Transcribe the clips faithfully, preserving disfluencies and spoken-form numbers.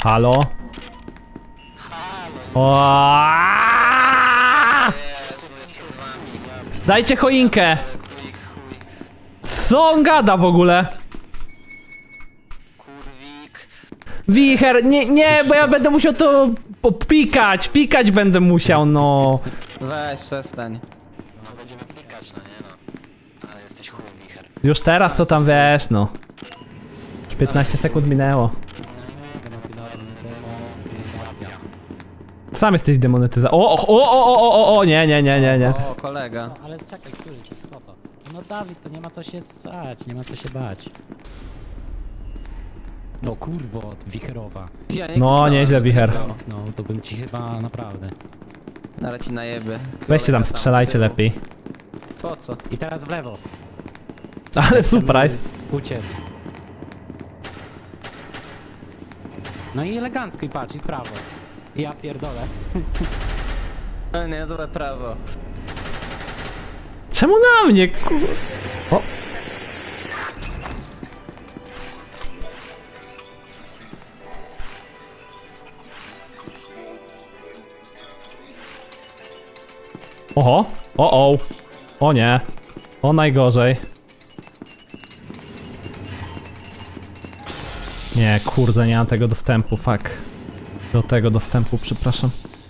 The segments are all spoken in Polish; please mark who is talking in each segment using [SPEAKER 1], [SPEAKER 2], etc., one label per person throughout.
[SPEAKER 1] Halo? O! Dajcie choinkę! Co on gada w ogóle? Wicher, nie, nie, bo ja będę musiał to pikać, pikać będę musiał, no.
[SPEAKER 2] Weź, przestań.
[SPEAKER 3] No będziemy pikać, no nie no. Ale jesteś chuj, wicher.
[SPEAKER 1] Już teraz to tam wiesz, no. Już piętnaście sekund minęło. Sam jesteś demonetyza. O, o, o, o, o, o, o, nie, nie, nie, nie, nie.
[SPEAKER 2] O, kolega.
[SPEAKER 4] No, ale czekaj, który, kto to? No Dawid, to nie ma co się stać, nie ma co się bać. No kurwo, wicherowa.
[SPEAKER 2] Ja nie
[SPEAKER 1] No,
[SPEAKER 2] kliknąłem
[SPEAKER 1] nieźle,
[SPEAKER 2] sobie.
[SPEAKER 1] wicher.
[SPEAKER 4] No, to bym ci chyba naprawdę.
[SPEAKER 2] Nara ci najeby.
[SPEAKER 1] Weźcie tam,
[SPEAKER 2] Kolega
[SPEAKER 1] strzelajcie
[SPEAKER 2] z tyłu.
[SPEAKER 1] lepiej.
[SPEAKER 2] Po co?
[SPEAKER 4] I teraz w lewo.
[SPEAKER 1] Ale surprise.
[SPEAKER 4] Uciec. No i elegancko i patrz, i w prawo. Ja pierdolę.
[SPEAKER 2] No nie, złe prawo.
[SPEAKER 1] Czemu na mnie, kur... O. Oho, o o, o nie, o najgorzej. Nie, kurde, nie mam tego dostępu, fuck. Do tego dostępu, przepraszam.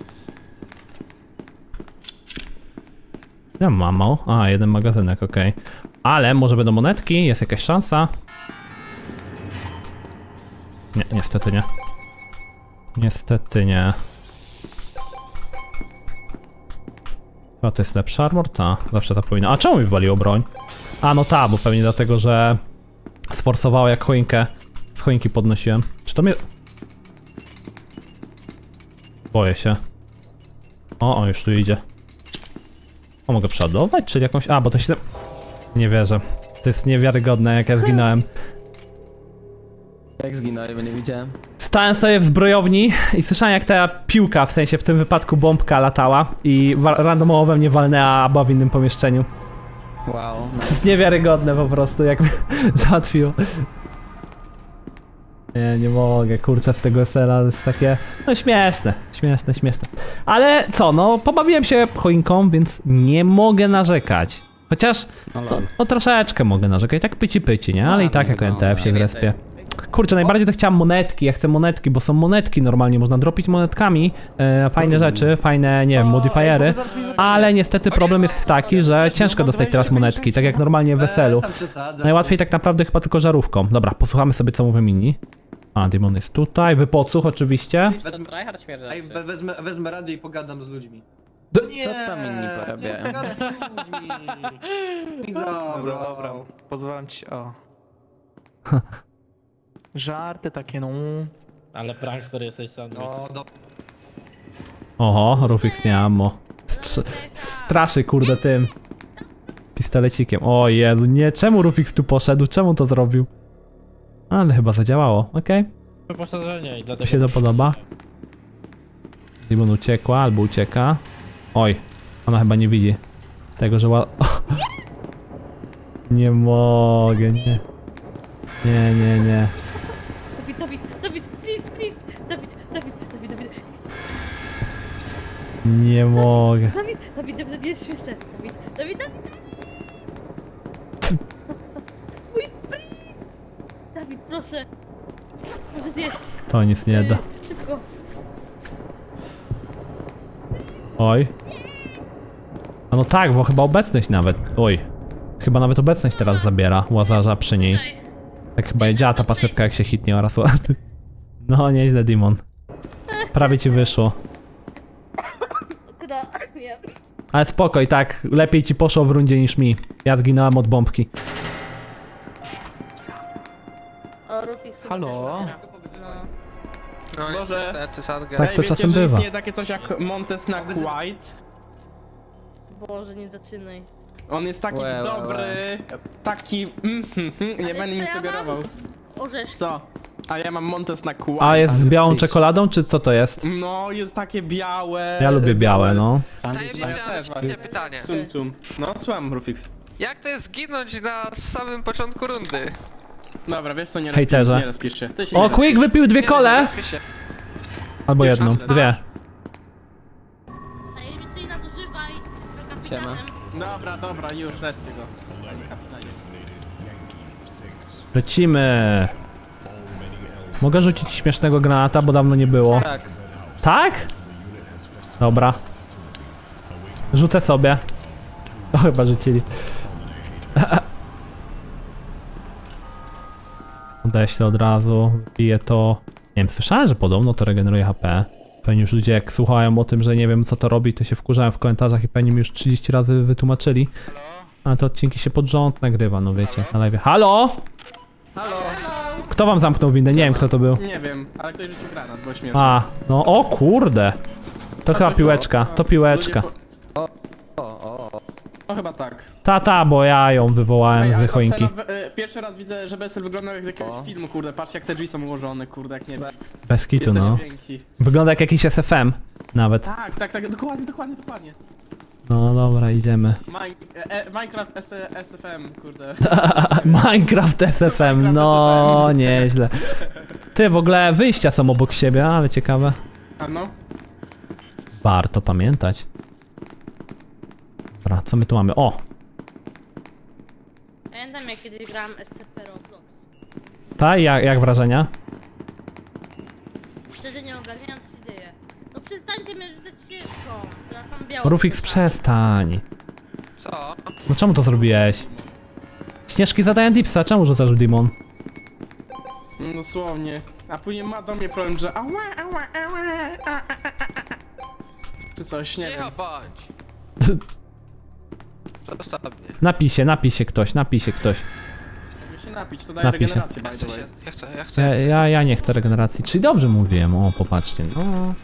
[SPEAKER 1] Ja mam mało. A, jeden magazynek, okej. Okay. Ale może będą monetki, jest jakaś szansa. Nie, niestety nie. Niestety nie. Chyba to jest lepszy armor? Ta, zawsze tak powinno. A czemu mi wywaliło broń? A, no ta, bo pewnie dlatego, że sforsowało jak choinkę. Z choinki podnosiłem. Czy to mnie... Boję się. O, o, już tu idzie. O, mogę przeładować? Czyli jakąś... A, bo to się... Nie wierzę. To jest niewiarygodne, jak ja zginąłem.
[SPEAKER 2] Jak zginąłem, bo nie widziałem.
[SPEAKER 1] Stałem sobie w zbrojowni i słyszałem, jak ta piłka, w sensie w tym wypadku bombka latała i randomowo we mnie walnęła, była w innym pomieszczeniu.
[SPEAKER 2] Wow. No.
[SPEAKER 1] To jest niewiarygodne po prostu, jak mnie załatwiło. Nie, nie mogę, kurczę, z tego S L A to jest takie... No śmieszne, śmieszne, śmieszne. Ale co, no, pobawiłem się choinką, więc nie mogę narzekać. Chociaż,
[SPEAKER 4] No,
[SPEAKER 1] no, no troszeczkę mogę narzekać, tak pyci pyci, nie? Ale i tak jako N T F się zrespię. Kurczę, najbardziej to chciałem monetki, ja chcę monetki, bo są monetki normalnie, można dropić monetkami, e, fajne rzeczy, fajne, nie wiem, modifiery, ale niestety problem jest taki, że ciężko dostać teraz monetki, tak jak normalnie w weselu. Najłatwiej tak naprawdę chyba tylko żarówką. Dobra, posłuchamy sobie, co mówią inni. A, Demon jest tutaj, wypocuch oczywiście.
[SPEAKER 5] Wezmę, Ej, we, wezmę, wezmę radę i pogadam z ludźmi.
[SPEAKER 1] D
[SPEAKER 5] Nie,
[SPEAKER 2] Co tam inni porabiają?
[SPEAKER 5] nie pogadam z ludźmi. I
[SPEAKER 6] Dobra,
[SPEAKER 5] zabrał.
[SPEAKER 6] dobra, pozwalam ci, o. Żarty takie, no.
[SPEAKER 4] Ale prankster jesteś sam.
[SPEAKER 5] No, do...
[SPEAKER 1] Oho, Rufix nie ammo. Str straszy kurde tym pistolecikiem. O Jezu, nie, czemu Rufix tu poszedł? Czemu to zrobił? Ale chyba zadziałało, okej. Okay.
[SPEAKER 4] Wyposażenie i
[SPEAKER 1] Mi
[SPEAKER 4] dlatego...
[SPEAKER 1] się to podoba. Demon uciekła albo ucieka. Oj, ona chyba nie widzi tego, że ła... Nie mogę, nie. Nie, nie, nie.
[SPEAKER 7] Dawid, Dawid, Dawid, please, please! Dawid, Dawid, Dawid, Dawid,
[SPEAKER 1] Nie mogę.
[SPEAKER 7] Dawid, Dawid, Dawid, jest śmieszne! Dawid, Dawid, Dawid! Mój sprint! Dawid, proszę! Proszę zjeść!
[SPEAKER 1] To nic nie da.
[SPEAKER 7] Yy, Szybko!
[SPEAKER 1] Oj. A no tak, bo chyba obecność nawet. Oj. Chyba nawet obecność teraz zabiera Łazarza przy niej. Tak chyba jedziała ta pasywka, jak się hitnie oraz ładny. No, nieźle, Demon. Prawie ci wyszło.
[SPEAKER 7] Kura, nie.
[SPEAKER 1] Ale spoko, i tak lepiej ci poszło w rundzie niż mi. Ja zginąłem od bombki.
[SPEAKER 7] O, Rufik sobie
[SPEAKER 6] Halo?
[SPEAKER 8] No
[SPEAKER 6] Może-
[SPEAKER 8] niestety, Sadge.
[SPEAKER 1] Tak to
[SPEAKER 6] Ej,
[SPEAKER 1] czasem
[SPEAKER 6] wiecie, że
[SPEAKER 1] bywa.
[SPEAKER 6] istnieje takie coś jak Montes na White?
[SPEAKER 7] Boże, nie zaczynaj.
[SPEAKER 6] On jest taki
[SPEAKER 2] Łe, łe,
[SPEAKER 6] dobry, taki... Mm, mm, mm, nie
[SPEAKER 7] Ale
[SPEAKER 6] będę
[SPEAKER 7] co
[SPEAKER 6] nic
[SPEAKER 7] ja
[SPEAKER 6] sugerował.
[SPEAKER 7] Orzeszki.
[SPEAKER 6] Co? A ja mam Montes na White.
[SPEAKER 1] A jest z białą czekoladą, czy co to jest?
[SPEAKER 6] No, jest takie białe...
[SPEAKER 1] Ja lubię białe, no.
[SPEAKER 8] Tajemnicze,
[SPEAKER 6] Ja
[SPEAKER 8] ale
[SPEAKER 6] też
[SPEAKER 8] ciekawe
[SPEAKER 6] właśnie.
[SPEAKER 8] pytanie.
[SPEAKER 6] Cum, cum. No, słucham, Rufix.
[SPEAKER 8] Jak to jest zginąć na samym początku rundy?
[SPEAKER 6] Dobra, wiesz co, nie
[SPEAKER 1] Hejterze.
[SPEAKER 6] rozpisz, nie rozpisz się. Ty się
[SPEAKER 1] O,
[SPEAKER 6] nie
[SPEAKER 1] Quick
[SPEAKER 6] rozpisz.
[SPEAKER 1] wypił dwie
[SPEAKER 8] Nie,
[SPEAKER 1] kole!
[SPEAKER 8] załatwię się.
[SPEAKER 1] Albo
[SPEAKER 6] Pierwsza?
[SPEAKER 1] jedną, dwie.
[SPEAKER 7] Tajemniczy nadużywaj z
[SPEAKER 2] Siema.
[SPEAKER 7] kapitanem.
[SPEAKER 6] Dobra, dobra, już, lećcie go.
[SPEAKER 1] Lecimy. Mogę rzucić śmiesznego granata, bo dawno nie było.
[SPEAKER 2] Tak.
[SPEAKER 1] Tak? Dobra. Rzucę sobie. O, chyba rzucili. Odeślę od razu, wypiję to. Nie wiem, słyszałem, że podobno to regeneruje H P. Pewnie już ludzie jak słuchają o tym, że nie wiem co to robi, to się wkurzają w komentarzach i pewnie mi już trzydzieści razy wytłumaczyli. Ale te odcinki się pod rząd nagrywa, no wiecie, na live. Halo?
[SPEAKER 2] Halo!
[SPEAKER 1] Kto wam zamknął windę? Nie wiem kto to był.
[SPEAKER 6] Nie wiem, ale ktoś rzucił granat, było śmieszne.
[SPEAKER 1] A, no o kurde. To chyba
[SPEAKER 6] coś
[SPEAKER 1] piłeczka,
[SPEAKER 6] było.
[SPEAKER 1] to
[SPEAKER 6] No,
[SPEAKER 1] piłeczka.
[SPEAKER 6] ludzie
[SPEAKER 2] O, o, o.
[SPEAKER 6] po- No chyba tak.
[SPEAKER 1] Ta, ta, bo ja ją wywołałem
[SPEAKER 6] Ej, ale
[SPEAKER 1] z choinki.
[SPEAKER 6] Basela, y, pierwszy raz widzę, że Besel wyglądał jak z jakiegoś
[SPEAKER 2] O.
[SPEAKER 6] filmu, kurde, patrzcie jak te drzwi są ułożone, kurde, jak nie wiem.
[SPEAKER 1] Bez kitu,
[SPEAKER 6] Jestem
[SPEAKER 1] no.
[SPEAKER 6] dzięki.
[SPEAKER 1] Wygląda jak jakiś S F M. Nawet.
[SPEAKER 6] Tak, tak, tak, dokładnie, dokładnie, dokładnie.
[SPEAKER 1] No dobra, idziemy.
[SPEAKER 6] Mine, e, Minecraft S, S F M, kurde.
[SPEAKER 1] Minecraft S F M,
[SPEAKER 6] Minecraft
[SPEAKER 1] no
[SPEAKER 6] S F M.
[SPEAKER 1] nieźle. Ty, w ogóle wyjścia są obok siebie, ale ciekawe.
[SPEAKER 6] A no?
[SPEAKER 1] Warto pamiętać. Dobra, co my tu mamy? O!
[SPEAKER 7] Pamiętam jak kiedyś grałam S C P Roblox.
[SPEAKER 1] Ta, jak, jak wrażenia?
[SPEAKER 7] Szczerze nie ogarniam co się dzieje. No przestańcie mnie rzucać ścieżką. Teraz mam białą.
[SPEAKER 1] Rufix, przestań.
[SPEAKER 8] Co?
[SPEAKER 1] No czemu to zrobiłeś? Śnieżki zadają dipsa, czemu rzucasz w demon?
[SPEAKER 6] No dosłownie. A później ma do mnie problem, że ała, ała, ała, a, a, a, a, a. Czy coś, nie wiem.
[SPEAKER 8] Cicho bądź! Zostaw mnie.
[SPEAKER 1] Napij się, napij się ktoś, napij się ktoś.
[SPEAKER 6] Mogę się napić, to daje
[SPEAKER 1] Napij się.
[SPEAKER 6] regenerację,
[SPEAKER 8] Ja
[SPEAKER 6] by
[SPEAKER 8] chcę
[SPEAKER 6] the
[SPEAKER 8] się,
[SPEAKER 6] way.
[SPEAKER 8] ja chcę, ja chcę,
[SPEAKER 1] Ja,
[SPEAKER 8] ja chcę.
[SPEAKER 1] ja, ja nie chcę regeneracji, czyli dobrze mówiłem, o popatrzcie. No.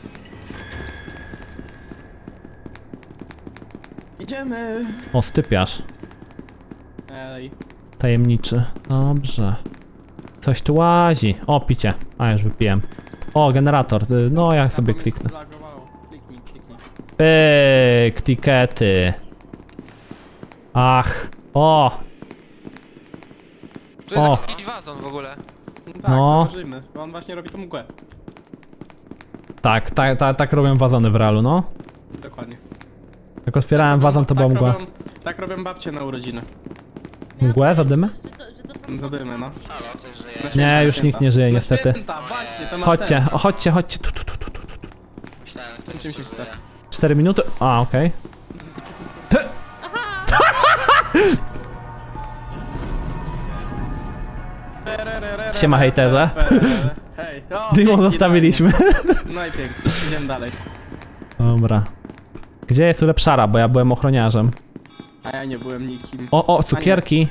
[SPEAKER 6] Idziemy!
[SPEAKER 1] O, stypiarz.
[SPEAKER 6] Ej.
[SPEAKER 1] Tajemniczy. Dobrze. Coś tu łazi. O, picie. A, już wypiłem. O, generator. Y, No, ja sobie
[SPEAKER 6] A, bo mnie
[SPEAKER 1] kliknę.
[SPEAKER 6] zlagowało. Kliknij, kliknij.
[SPEAKER 1] Pyk, tikety. Ach. O,
[SPEAKER 8] Tu jest
[SPEAKER 1] O.
[SPEAKER 8] jakiś wazon w ogóle.
[SPEAKER 6] No tak,
[SPEAKER 1] No.
[SPEAKER 6] zauważymy, bo on właśnie robi tą mgłę.
[SPEAKER 1] tak, tak, tak, tak robią wazony w realu, no.
[SPEAKER 6] Dokładnie.
[SPEAKER 1] Jak otwierałem wazon, to była
[SPEAKER 6] tak
[SPEAKER 1] mgła.
[SPEAKER 6] Robią, tak robią babcie na urodziny.
[SPEAKER 1] Mgłę, zadymy?
[SPEAKER 7] Że to, że to są
[SPEAKER 6] Zadymy, no.
[SPEAKER 3] Halo, ktoś żyje?
[SPEAKER 6] Na
[SPEAKER 1] Nie,
[SPEAKER 6] święta,
[SPEAKER 1] już
[SPEAKER 6] święta.
[SPEAKER 1] nikt nie żyje,
[SPEAKER 6] Na
[SPEAKER 1] niestety.
[SPEAKER 6] Święta, właśnie, to ma
[SPEAKER 1] Chodźcie,
[SPEAKER 6] sens.
[SPEAKER 1] o, chodźcie, chodźcie. Tu, tu, tu, tu, tu, tu.
[SPEAKER 3] Myślałem, ktoś
[SPEAKER 6] Czym się
[SPEAKER 3] jeszcze
[SPEAKER 6] chce?
[SPEAKER 3] żyje.
[SPEAKER 1] Cztery minuty. A, okej. Siema, hejterze.
[SPEAKER 6] Hej, o,
[SPEAKER 1] Dymon
[SPEAKER 6] pięknie,
[SPEAKER 1] zostawiliśmy.
[SPEAKER 6] dalej. No i pięknie, idziemy dalej.
[SPEAKER 1] Dobra. Gdzie jest ulepszara, bo ja byłem ochroniarzem.
[SPEAKER 6] A ja nie byłem nikim.
[SPEAKER 1] O, o, cukierki.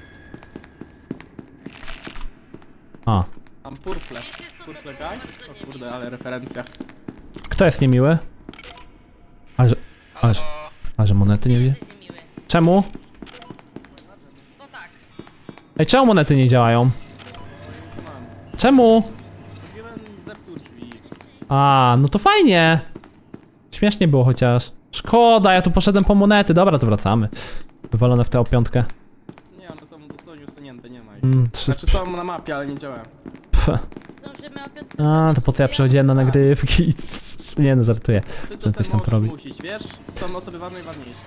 [SPEAKER 1] A,
[SPEAKER 6] Mam purple.
[SPEAKER 7] Wiecie co, to
[SPEAKER 6] Purple
[SPEAKER 7] było
[SPEAKER 6] guy?
[SPEAKER 7] bardzo
[SPEAKER 6] O
[SPEAKER 7] niemiłe.
[SPEAKER 6] kurde, ale referencja.
[SPEAKER 1] kto jest niemiły? Ale że, ale że, ale że monety nie wie?
[SPEAKER 7] Jesteś niemiły.
[SPEAKER 1] Czemu?
[SPEAKER 7] Bo tak.
[SPEAKER 1] Ej, czemu monety nie działają? Czemu?
[SPEAKER 6] Zrobiłem zepsuł drzwi.
[SPEAKER 1] A, no to fajnie. Śmiesznie było chociaż. Szkoda, ja tu poszedłem po monety. Dobra, to wracamy. Wywalone w tę piątkę.
[SPEAKER 6] Nie, one są dosłownie usunięte, nie ma ich.
[SPEAKER 1] Mm, trzy,
[SPEAKER 6] Znaczy są na mapie, ale nie działają.
[SPEAKER 1] pf.
[SPEAKER 7] Zdążymy o piątkę.
[SPEAKER 1] A, to po co ja przychodziłem na nagrywki? Nie no, żartuję.
[SPEAKER 6] Ty
[SPEAKER 1] Że
[SPEAKER 6] to
[SPEAKER 1] coś
[SPEAKER 6] coś
[SPEAKER 1] tam to robi.
[SPEAKER 6] musisz, wiesz? Są osoby ważne i ważniejsze.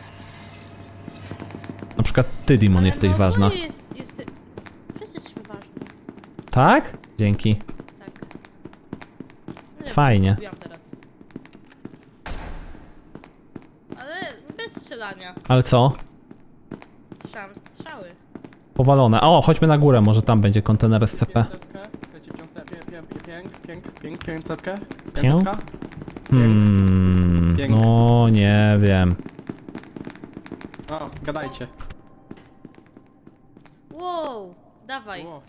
[SPEAKER 1] Na przykład ty, Dimon, jesteś
[SPEAKER 7] no,
[SPEAKER 1] ważna.
[SPEAKER 7] No jest, jest... Wszyscy jesteśmy ważni.
[SPEAKER 1] Tak? Dzięki.
[SPEAKER 7] Tak. No, ja
[SPEAKER 1] Fajnie.
[SPEAKER 7] mówiłam teraz. Ale bez strzelania.
[SPEAKER 1] Ale co?
[SPEAKER 7] Słyszałam strzały.
[SPEAKER 1] Powalone. O, chodźmy na górę, może tam będzie kontener S C P.
[SPEAKER 6] pięćsetkę? Chcecie piątce- pię- pię- pię- pięk, pięk, pięk, pięćsetkę?
[SPEAKER 1] Pię?
[SPEAKER 6] Pięćsetka?
[SPEAKER 1] Hmm,
[SPEAKER 6] Pięk.
[SPEAKER 1] no nie wiem.
[SPEAKER 6] O, gadajcie.
[SPEAKER 7] Wow, dawaj.
[SPEAKER 6] O,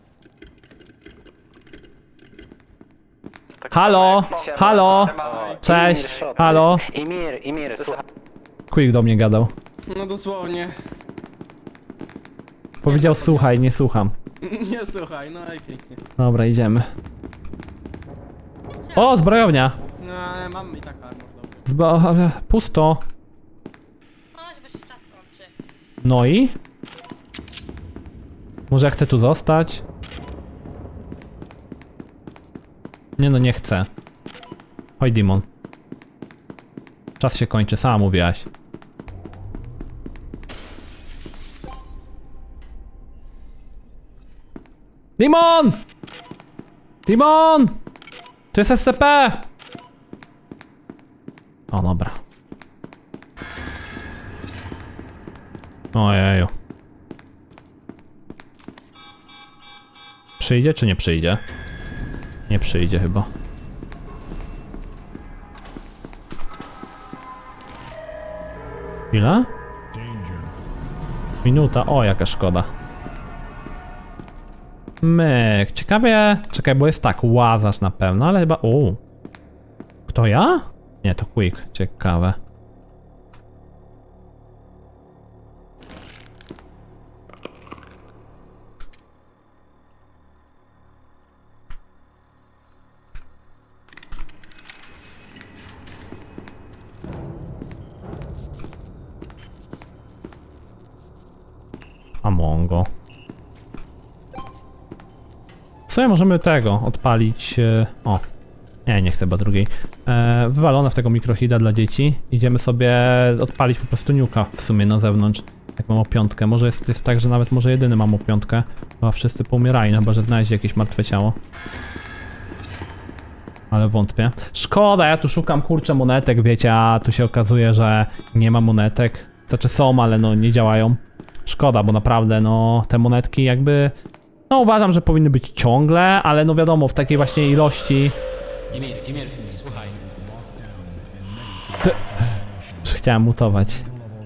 [SPEAKER 1] Halo, halo, cześć, halo.
[SPEAKER 9] Imir, Imir, słuchaj.
[SPEAKER 1] Quick do mnie gadał.
[SPEAKER 6] no dosłownie.
[SPEAKER 1] Powiedział słuchaj, nie słucham.
[SPEAKER 6] Nie słuchaj, no i pięknie.
[SPEAKER 1] Dobra, idziemy. O, zbrojownia.
[SPEAKER 6] No ale mam i tak armor, dobry.
[SPEAKER 1] Zbro... ale pusto.
[SPEAKER 7] Chodź, bo się czas kończy.
[SPEAKER 1] No i? Może ja chcę tu zostać? Nie no, nie chcę. Chodź, Dimon. Czas się kończy, sama mówiłaś. Dimon! Dimon! To jest S C P! O, dobra. Ojeju. Przyjdzie czy nie przyjdzie? Nie przyjdzie chyba. Ile? Minuta, o jaka szkoda. Myk, ciekawie... Czekaj, bo jest tak, łazarz na pewno, ale chyba... O. Kto ja? Nie, to Quick, ciekawe. Amongo. W sumie możemy tego odpalić. e, O. Nie, nie chcę chyba drugiej. E, wywalone w tego mikrohida dla dzieci. Idziemy sobie odpalić po prostu niuka w sumie na zewnątrz. Jak mam o piątkę. Może jest, jest tak, że nawet może jedyny mam o piątkę. Chyba wszyscy poumierali, no chyba że znaleźli jakieś martwe ciało. Ale wątpię. Szkoda, ja tu szukam kurczę monetek, wiecie, a tu się okazuje, że nie ma monetek. Znaczy są, ale no nie działają. Szkoda, bo naprawdę no te monetki jakby... No uważam, że powinny być ciągle, ale no wiadomo, w takiej właśnie ilości...
[SPEAKER 4] Imir, Imir, słuchaj.
[SPEAKER 1] Chciałem mutować.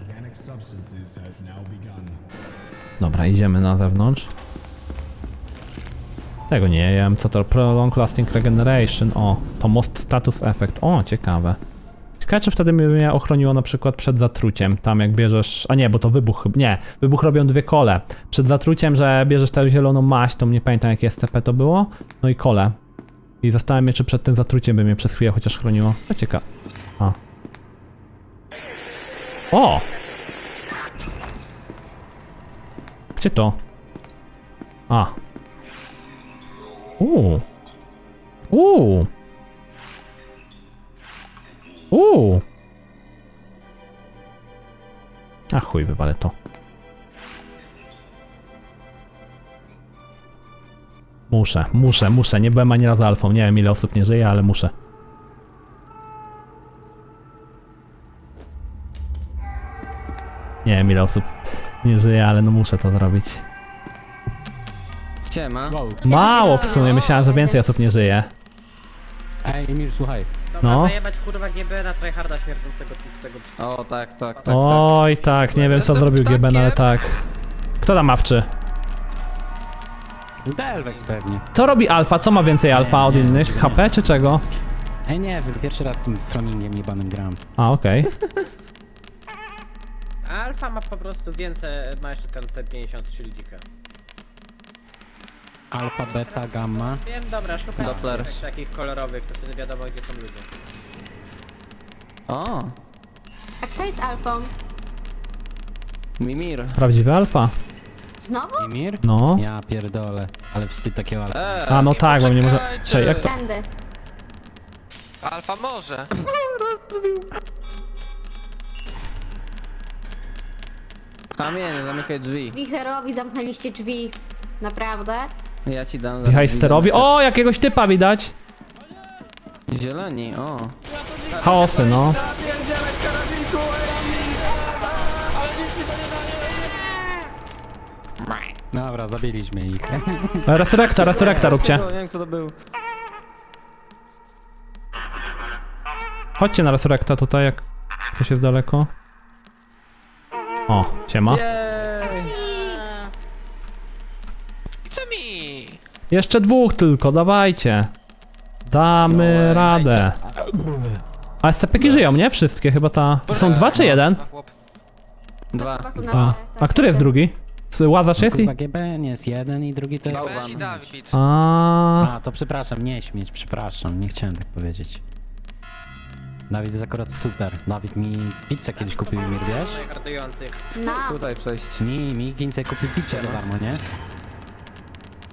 [SPEAKER 1] Dobra, idziemy na zewnątrz. Tego nie wiem, co to? Prolong Lasting Regeneration. O, to Most Status Effect. O, ciekawe. Ciekawe, czy wtedy mnie ochroniło na przykład przed zatruciem. Tam jak bierzesz... A nie, bo to wybuch. Nie, wybuch robią dwie kole. Przed zatruciem, że bierzesz tę zieloną maść, to nie pamiętam jakie S C P to było. No i kole. I zastanawiam się, czy przed tym zatruciem by mnie przez chwilę chociaż chroniło. To ciekawe. A. O! Gdzie to? A. Uuu. Uuu. Uuu. A chuj, wywalę to. Muszę, muszę, muszę. Nie byłem ani razu alfą. Nie wiem ile osób nie żyje, ale muszę. Nie wiem ile osób nie żyje, ale no muszę to zrobić.
[SPEAKER 2] Siema.
[SPEAKER 4] Wow.
[SPEAKER 1] Mało w sumie, myślałem, że więcej osób nie żyje.
[SPEAKER 4] Ej, Imir, słuchaj.
[SPEAKER 9] Dobra,
[SPEAKER 1] No.
[SPEAKER 9] zajebać kurwa G B na tryharda śmierdzącego tłustego.
[SPEAKER 2] O, tak, tak, tak, tak.
[SPEAKER 1] Oj, tak, nie wiem co
[SPEAKER 8] Jestem
[SPEAKER 1] zrobił G B, no ale
[SPEAKER 8] ptakiem.
[SPEAKER 1] tak. Kto tam mawczy?
[SPEAKER 4] Delvex pewnie.
[SPEAKER 1] Co robi alfa? Co ma więcej alfa od innych? H P czy czego?
[SPEAKER 4] Ej, nie wiem, pierwszy raz tym flamingiem jebanym gram.
[SPEAKER 1] A, okej.
[SPEAKER 9] Alfa ma po prostu więcej, ma jeszcze ten T pięćdziesiąt trzy lidzika.
[SPEAKER 4] Alfa, beta, gamma.
[SPEAKER 9] Wiem, dobra, szukam
[SPEAKER 2] Doppler.
[SPEAKER 9] takich, takich kolorowych, to wtedy wiadomo gdzie są ludzie.
[SPEAKER 2] O,
[SPEAKER 10] A kto jest alfą?
[SPEAKER 2] Mimir.
[SPEAKER 1] Prawdziwy alfa.
[SPEAKER 10] Znowu?
[SPEAKER 4] Imir?
[SPEAKER 1] No.
[SPEAKER 4] Ja pierdolę, ale wstyd takiego alfa.
[SPEAKER 2] Eee,
[SPEAKER 1] A, no tak, bo mnie może...
[SPEAKER 8] Poczekajcie.
[SPEAKER 1] Czekaj, jak to...
[SPEAKER 10] Tędy.
[SPEAKER 8] Alfa może.
[SPEAKER 2] Kamień, zamykaj drzwi.
[SPEAKER 10] Wicherowi zamknęliście drzwi. Naprawdę?
[SPEAKER 2] Ja ci dam.
[SPEAKER 1] Wichajsterowi... O, jakiegoś typa widać!
[SPEAKER 2] Zieloni, o.
[SPEAKER 1] Chaosy, no.
[SPEAKER 4] Dobra, zabiliśmy ich.
[SPEAKER 1] Resurrekta, resurrekta róbcie.
[SPEAKER 2] Nie wiem kto to był.
[SPEAKER 1] Chodźcie na resurrekta tutaj, jak ktoś jest daleko. O, siema.
[SPEAKER 2] Jej!
[SPEAKER 10] X.
[SPEAKER 8] Co mi?
[SPEAKER 1] Jeszcze dwóch tylko, dawajcie. Damy radę. A S C P-ki żyją, nie? Wszystkie, chyba ta... Są dwa czy jeden?
[SPEAKER 8] Na chłop.
[SPEAKER 2] Dwa.
[SPEAKER 10] Chyba są na
[SPEAKER 1] A,
[SPEAKER 10] dole,
[SPEAKER 1] a
[SPEAKER 10] tak.
[SPEAKER 1] który jest drugi? Łazarz jest i...
[SPEAKER 4] Kurwa, G B nie jest jeden i drugi to jest...
[SPEAKER 8] Ben i Dawid.
[SPEAKER 1] A,
[SPEAKER 4] A, to przepraszam, nie śmieć, przepraszam, nie chciałem tak powiedzieć. Dawid jest akurat super. Dawid mi pizzę kiedyś kupił, Imir, wiesz?
[SPEAKER 9] Tryhardujących.
[SPEAKER 10] Na.
[SPEAKER 2] Tutaj przejść.
[SPEAKER 4] Mi, mi Gince kupił pizzę za darmo, nie?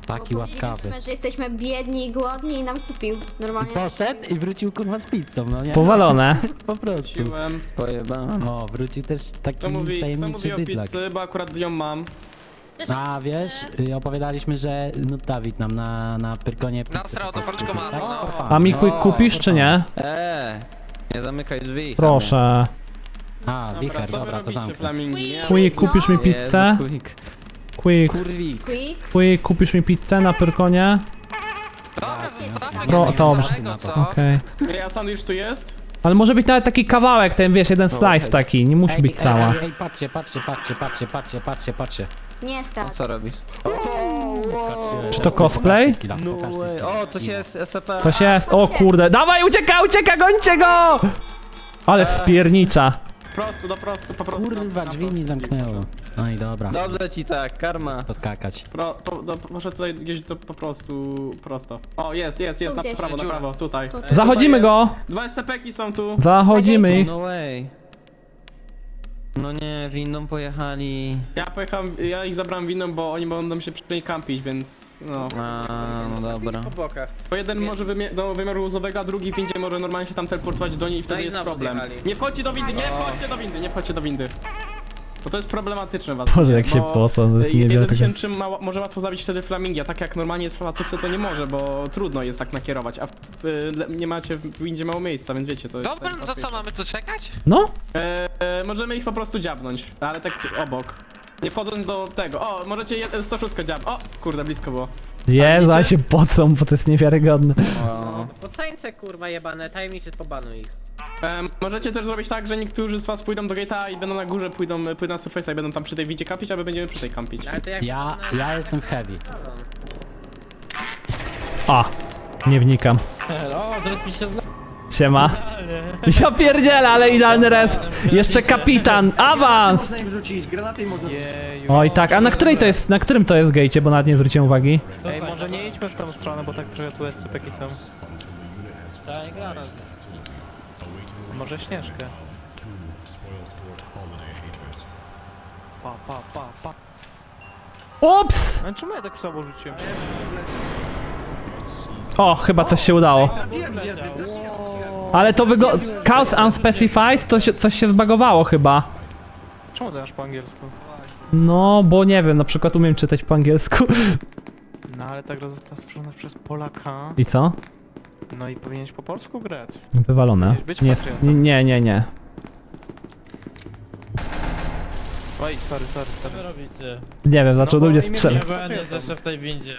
[SPEAKER 4] Taki
[SPEAKER 10] Bo
[SPEAKER 4] łaskawy.
[SPEAKER 10] powiedzieliśmy, że jesteśmy biedni i głodni i nam kupił.
[SPEAKER 4] I
[SPEAKER 10] Normalnie.
[SPEAKER 4] poszedł i wrócił kurwa z pizzą, no nie?
[SPEAKER 1] Powalone.
[SPEAKER 4] Po prostu.
[SPEAKER 6] Wróciłem.
[SPEAKER 2] Pojebałem.
[SPEAKER 4] O, wrócił też taki
[SPEAKER 6] Kto mówi, kto
[SPEAKER 4] tajemniczy
[SPEAKER 6] mówi o
[SPEAKER 4] bydlak.
[SPEAKER 6] pizzy, bo akurat ją mam.
[SPEAKER 4] A wiesz, y, opowiadaliśmy, że no Dawid nam na, na Pyrkonie pizzę
[SPEAKER 8] Nasrał
[SPEAKER 4] po
[SPEAKER 8] do
[SPEAKER 4] prostu
[SPEAKER 8] paczkomatu,
[SPEAKER 4] kupił,
[SPEAKER 8] no.
[SPEAKER 4] For fun.
[SPEAKER 1] A mi ku- kupisz czy nie?
[SPEAKER 2] Eee, nie zamykaj drzwi.
[SPEAKER 1] Proszę.
[SPEAKER 4] A,
[SPEAKER 6] Dobra,
[SPEAKER 4] wicher,
[SPEAKER 6] co wy
[SPEAKER 4] dobra, to
[SPEAKER 6] robicie,
[SPEAKER 4] zamknę.
[SPEAKER 6] flamingi? Nie?
[SPEAKER 1] Quick, kupisz mi pizzę?
[SPEAKER 2] Jezu, quick.
[SPEAKER 1] Quick,
[SPEAKER 2] Kurwik.
[SPEAKER 10] Quick.
[SPEAKER 1] quick, kupisz mi pizzę na Pyrkonie?
[SPEAKER 8] Dobra, zostawmy
[SPEAKER 1] No,
[SPEAKER 8] go,
[SPEAKER 1] dobrze.
[SPEAKER 8] samego, co?
[SPEAKER 1] Okej.
[SPEAKER 6] Ej, a sandwich tu jest?
[SPEAKER 1] Ale może być nawet taki kawałek, ten wiesz, jeden slice taki, nie musi
[SPEAKER 4] Ej,
[SPEAKER 1] być
[SPEAKER 4] ej,
[SPEAKER 1] cała.
[SPEAKER 4] Ej, ej, patrzcie, patrzcie, patrzcie, patrzcie, patrzcie, patrzcie, patrzcie.
[SPEAKER 10] Nie
[SPEAKER 2] O,
[SPEAKER 10] skacz.
[SPEAKER 2] co robisz?
[SPEAKER 1] Czy to cosplay?
[SPEAKER 2] No way. O, coś jest S C P.
[SPEAKER 1] Coś jest, o kurde, dawaj, ucieka, ucieka, gońcie go! Ale spiernicza.
[SPEAKER 6] Prosto, do prostu, po prostu.
[SPEAKER 4] Kurwa,
[SPEAKER 6] na
[SPEAKER 4] drzwi mi
[SPEAKER 6] prosto.
[SPEAKER 4] zamknęło. No i dobra,
[SPEAKER 2] Dobrze ci tak, karma.
[SPEAKER 4] poskakać.
[SPEAKER 6] Pro, po, do, może tutaj gdzieś to po prostu prosto. O, jest, jest, jest,
[SPEAKER 10] Tu
[SPEAKER 6] na
[SPEAKER 10] gdzieś.
[SPEAKER 6] prawo, na
[SPEAKER 8] Dziura.
[SPEAKER 6] prawo, tutaj.
[SPEAKER 10] Tutaj.
[SPEAKER 1] Zachodzimy go,
[SPEAKER 6] Dwa S C P-ki są tu.
[SPEAKER 1] zachodzimy ich.
[SPEAKER 2] No way. No nie, windą pojechali.
[SPEAKER 6] Ja pojechałem, ja ich zabrałem winą, bo oni będą się przy niej kampić, więc no.
[SPEAKER 2] A, no dobra.
[SPEAKER 9] Po bokach.
[SPEAKER 6] Bo jeden może wymie- do wymiaru łuzowego, a drugi w windzie może normalnie się tam teleportować do niej i wtedy
[SPEAKER 9] No i
[SPEAKER 6] jest
[SPEAKER 9] znowu
[SPEAKER 6] problem.
[SPEAKER 9] zjechali.
[SPEAKER 6] Nie wchodźcie do windy, nie wchodźcie do windy, nie wchodźcie do windy. Bo to jest problematyczne was.
[SPEAKER 1] Boże, jak się posą, to jest
[SPEAKER 6] Jeden
[SPEAKER 1] niewiarygodne.
[SPEAKER 6] się czym ma, może łatwo zabić wtedy flamingi, a tak jak normalnie w placówce to nie może, bo trudno jest tak nakierować, a w, w, nie macie w windzie mało miejsca, więc wiecie, to jest...
[SPEAKER 8] Dobra,
[SPEAKER 6] tak
[SPEAKER 8] no to co,
[SPEAKER 6] łatwiejsze.
[SPEAKER 8] mamy tu czekać?
[SPEAKER 1] No,
[SPEAKER 6] E, e, możemy ich po prostu dziabnąć, ale tak obok. Nie wchodząc do tego. O, możecie jeden sto sześć dziab. O, kurde, blisko było.
[SPEAKER 1] Jezu, ale się pocą, bo to jest niewiarygodne.
[SPEAKER 2] O,
[SPEAKER 9] Pocańce kurwa jebane, tajemniczy pobanuj ich.
[SPEAKER 6] E, możecie też zrobić tak, że niektórzy z was pójdą do gate'a i będą na górze, pójdą, pójdą na surface'a i będą tam przy tej widzie kampić, a my będziemy przy tej kampić.
[SPEAKER 9] Ale to jak
[SPEAKER 4] Ja, ja jestem w heavy.
[SPEAKER 1] A, nie wnikam. Siema. Ja pierdzielę, ale idealny res. Jeszcze kapitan, awans!
[SPEAKER 5] Można ich wrzucić, granaty i można wrzucić.
[SPEAKER 1] Oj tak, a na której to jest, na którym to jest gejcie, bo nawet nie zwróciłem uwagi.
[SPEAKER 11] Ej, może nie idźmy w tą stronę, bo tak trochę tu S C P-ki są. Może Śnieżkę. Pa, pa, pa, pa.
[SPEAKER 1] Ups!
[SPEAKER 11] A czemu ja tak słabo rzuciłem?
[SPEAKER 1] O, chyba coś się udało. Ale to wygląda... Chaos Unspecified, to się, coś się zbagowało chyba.
[SPEAKER 11] Czemu ty masz po angielsku?
[SPEAKER 1] No, bo nie wiem, na przykład umiem czytać po angielsku.
[SPEAKER 11] No ale ta gra została stworzona przez Polaka.
[SPEAKER 1] I co?
[SPEAKER 11] No i powinieneś po polsku grać.
[SPEAKER 1] Wywalone.
[SPEAKER 11] Powinieneś być
[SPEAKER 1] Nie,
[SPEAKER 11] patriotą.
[SPEAKER 1] nie, nie, nie.
[SPEAKER 11] Oj, sorry, sorry, sorry.
[SPEAKER 12] robicie?
[SPEAKER 1] Nie wiem, zaczął do
[SPEAKER 11] bo
[SPEAKER 1] mnie
[SPEAKER 11] imię
[SPEAKER 1] strzelać.
[SPEAKER 11] nie-
[SPEAKER 12] Ja będę zawsze w tej windzie.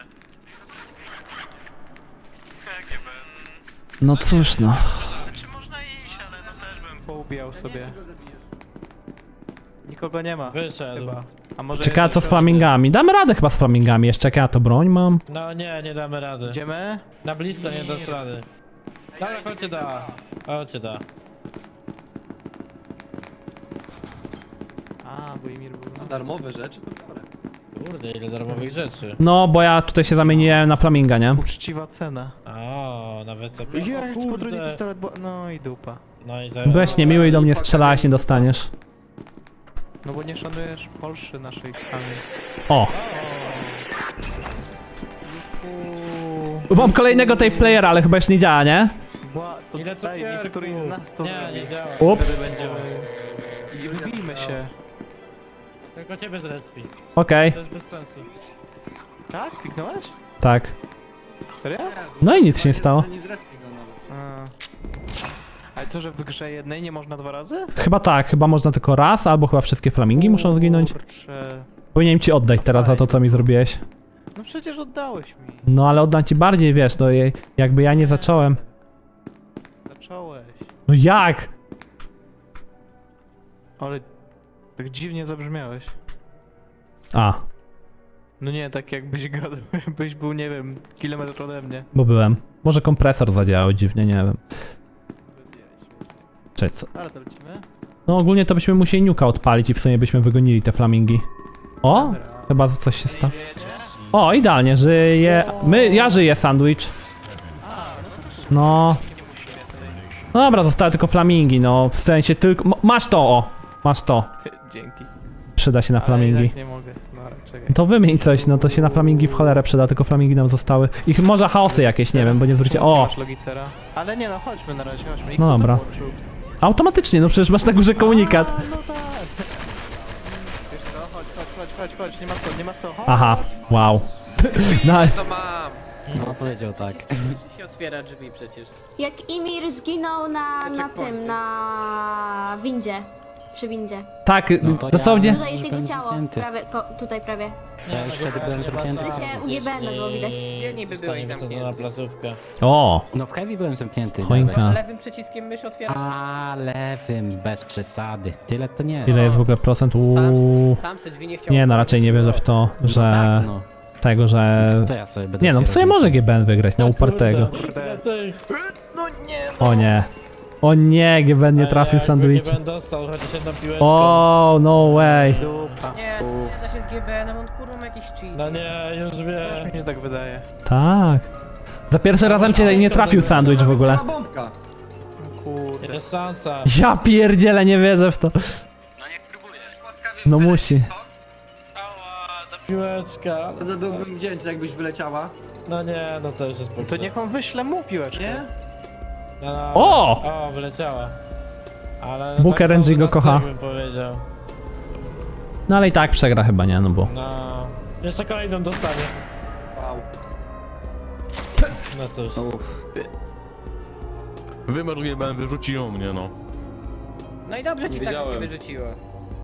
[SPEAKER 1] No cóż no.
[SPEAKER 11] Znaczy można iść, ale no też bym poubijał sobie. Nikogo nie ma.
[SPEAKER 12] Wyszedł.
[SPEAKER 11] Chyba. A może
[SPEAKER 1] Ciekawe
[SPEAKER 11] jest
[SPEAKER 1] co z
[SPEAKER 11] jeszcze-
[SPEAKER 1] flamingami. Damy radę chyba z flamingami, jeszcze jak ja to broń mam.
[SPEAKER 12] No nie, nie damy rady.
[SPEAKER 11] Idziemy?
[SPEAKER 12] Na blisko nie dasz rady. Dobra, chodźcie da. Chodźcie da.
[SPEAKER 11] A, bo Imir był...
[SPEAKER 5] Darmowe rzeczy, to dobre.
[SPEAKER 12] Kurde, ile darmowych rzeczy.
[SPEAKER 1] No, bo ja tutaj się zamieniłem na flaminga, nie?
[SPEAKER 11] Uczciwa cena.
[SPEAKER 12] O, nawet co.
[SPEAKER 11] Jest,
[SPEAKER 12] O,
[SPEAKER 11] potrójny
[SPEAKER 12] kurde.
[SPEAKER 11] pistolet, bo... No i dupa.
[SPEAKER 12] No i zaraz.
[SPEAKER 1] Byłeś niemiły i do mnie strzelałeś, nie dostaniesz.
[SPEAKER 11] No bo nie szanujesz Polszy naszej kochanej.
[SPEAKER 1] O! Mam kolejnego tej playera, ale chyba już nie działa, nie?
[SPEAKER 11] Bła, to
[SPEAKER 12] Ile
[SPEAKER 11] daj mi
[SPEAKER 12] cukierków?
[SPEAKER 11] któryś z nas to
[SPEAKER 12] Nie,
[SPEAKER 11] zrobi.
[SPEAKER 12] nie działa.
[SPEAKER 1] Ups.
[SPEAKER 12] Wtedy będziemy.
[SPEAKER 11] I wybijmy się.
[SPEAKER 12] Tylko ciebie zrespi.
[SPEAKER 1] Okej,
[SPEAKER 12] To jest bez sensu.
[SPEAKER 11] Tak? Kliknąłeś?
[SPEAKER 1] tak.
[SPEAKER 11] Serio?
[SPEAKER 1] No i nic się nie stało.
[SPEAKER 5] Nie zrespi go nawet.
[SPEAKER 11] A. Ale co, że w grze jednej nie można dwa razy?
[SPEAKER 1] Chyba tak, chyba można tylko raz, albo chyba wszystkie flamingi muszą zginąć.
[SPEAKER 11] Kurczę.
[SPEAKER 1] Powinienem ci oddać teraz za to, co mi zrobiłeś.
[SPEAKER 11] No przecież oddałeś mi.
[SPEAKER 1] No ale oddam ci bardziej, wiesz, no je- jakby ja nie zacząłem.
[SPEAKER 11] Zacząłeś.
[SPEAKER 1] No jak?
[SPEAKER 11] Ale tak dziwnie zabrzmiałeś.
[SPEAKER 1] A,
[SPEAKER 11] No nie, tak jakbyś gadał, jakbyś był, nie wiem, kilometr ode mnie.
[SPEAKER 1] bo byłem. Może kompresor zadziałał dziwnie, nie wiem. Cześć, co?
[SPEAKER 11] Ale to lecimy.
[SPEAKER 1] No ogólnie to byśmy musieli niuka odpalić i w sumie byśmy wygonili te flamingi. O!
[SPEAKER 11] Dobra.
[SPEAKER 1] Chyba coś się stało. O, idealnie, żyje. My, ja żyję, sandwich. No. No dobra, zostały tylko flamingi, no. W sensie tylko. m- Masz to, o! Masz to.
[SPEAKER 11] Ty, dzięki.
[SPEAKER 1] Przyda się na
[SPEAKER 11] Ale i
[SPEAKER 1] flamingi.
[SPEAKER 11] tak nie mogę. No Marek, czekaj.
[SPEAKER 1] To wymień coś, no to się na flamingi w cholerę przyda, tylko flamingi nam zostały. Ich może chaosy jakieś, nie wiem, bo nie zwrócicie.
[SPEAKER 11] Czemu nie
[SPEAKER 1] O!
[SPEAKER 11] masz logicera? Ale nie no, chodźmy na razie, chodźmy. Ich
[SPEAKER 1] No
[SPEAKER 11] kto
[SPEAKER 1] dobra.
[SPEAKER 11] tam włączył?
[SPEAKER 1] Automatycznie, no przecież masz na górze komunikat.
[SPEAKER 11] A, no tak. Wiesz co, chodź, chodź, chodź, chodź, chodź, nie ma co, nie ma co, chodź.
[SPEAKER 1] Aha, wow. Nice.
[SPEAKER 8] To mam.
[SPEAKER 4] No powiedział tak.
[SPEAKER 9] się otwiera drzwi przecież.
[SPEAKER 10] Jak Imir zginął na, na tym, na windzie. Przy windzie.
[SPEAKER 1] Tak,
[SPEAKER 4] No to
[SPEAKER 1] dosłownie.
[SPEAKER 10] Tutaj jest jego
[SPEAKER 4] byłem
[SPEAKER 10] ciało.
[SPEAKER 4] zamknięty.
[SPEAKER 10] Prawie, ko, tutaj prawie.
[SPEAKER 4] Ja już wtedy byłem zamknięty.
[SPEAKER 10] To się u G B N było widać.
[SPEAKER 9] Gdzie niby byłeś
[SPEAKER 12] Staniemy to na
[SPEAKER 9] zamknięty?
[SPEAKER 12] placówkę.
[SPEAKER 1] O!
[SPEAKER 4] No w heavy byłem zamknięty.
[SPEAKER 1] Choinka.
[SPEAKER 4] nawet.
[SPEAKER 9] Lewym przyciskiem mysz otwiera.
[SPEAKER 4] A lewym, bez przesady. Tyle to nie.
[SPEAKER 1] Ile jest w ogóle procent? Uuu.
[SPEAKER 9] Sam, sam se drzwi nie chciał
[SPEAKER 1] Nie no,
[SPEAKER 9] otworzyć.
[SPEAKER 1] raczej nie wierzę w to,
[SPEAKER 4] No
[SPEAKER 1] że...
[SPEAKER 4] tak, no.
[SPEAKER 1] Tego, że...
[SPEAKER 4] Co ja sobie będę
[SPEAKER 1] Nie no, w
[SPEAKER 4] otwierał
[SPEAKER 1] sumie może
[SPEAKER 4] drzwi?
[SPEAKER 1] G B N wygrać, na upartego.
[SPEAKER 12] Kurde, ty.
[SPEAKER 1] O nie. O nie, G B N nie trafił sandwich.
[SPEAKER 12] Nie będę dostał chociaż jedną piłeczkę.
[SPEAKER 1] O, no way.
[SPEAKER 11] Dupa.
[SPEAKER 9] Nie, nie da się z G B N-em, on kurwa ma jakiś cheat.
[SPEAKER 12] No nie, już
[SPEAKER 11] Też
[SPEAKER 12] wiem.
[SPEAKER 11] mi się tak wydaje.
[SPEAKER 1] Tak. Za pierwszy razem cię nie trafił sandwich w ogóle.
[SPEAKER 5] Ma bombka.
[SPEAKER 11] Kurde.
[SPEAKER 12] Jest szansa.
[SPEAKER 1] Ja pierdzielę, nie wierzę w to.
[SPEAKER 3] No niech próbujesz. Łaskawie
[SPEAKER 1] No
[SPEAKER 3] wyleci
[SPEAKER 1] musi.
[SPEAKER 3] stąd.
[SPEAKER 12] Ała, ta piłeczka.
[SPEAKER 5] Bardzo byłbym wdzięczny, jakbyś wyleciała.
[SPEAKER 12] No nie, no to już jest
[SPEAKER 11] To niech on wyśle mu piłeczkę.
[SPEAKER 5] Nie?
[SPEAKER 12] No, no,
[SPEAKER 1] O!
[SPEAKER 12] O, wyleciała. Ale no
[SPEAKER 1] Booker
[SPEAKER 12] tak
[SPEAKER 1] N G go
[SPEAKER 12] na
[SPEAKER 1] kocha.
[SPEAKER 12] styk bym powiedział.
[SPEAKER 1] No ale i tak przegra chyba, nie? No bo...
[SPEAKER 12] No. Jeszcze kolejną dostanie.
[SPEAKER 5] Wow.
[SPEAKER 12] No cóż.
[SPEAKER 13] Wymarł G B N, wyrzuciło mnie, no.
[SPEAKER 9] No i dobrze ci tak
[SPEAKER 13] Wiedziałem.
[SPEAKER 9] cię wyrzuciło.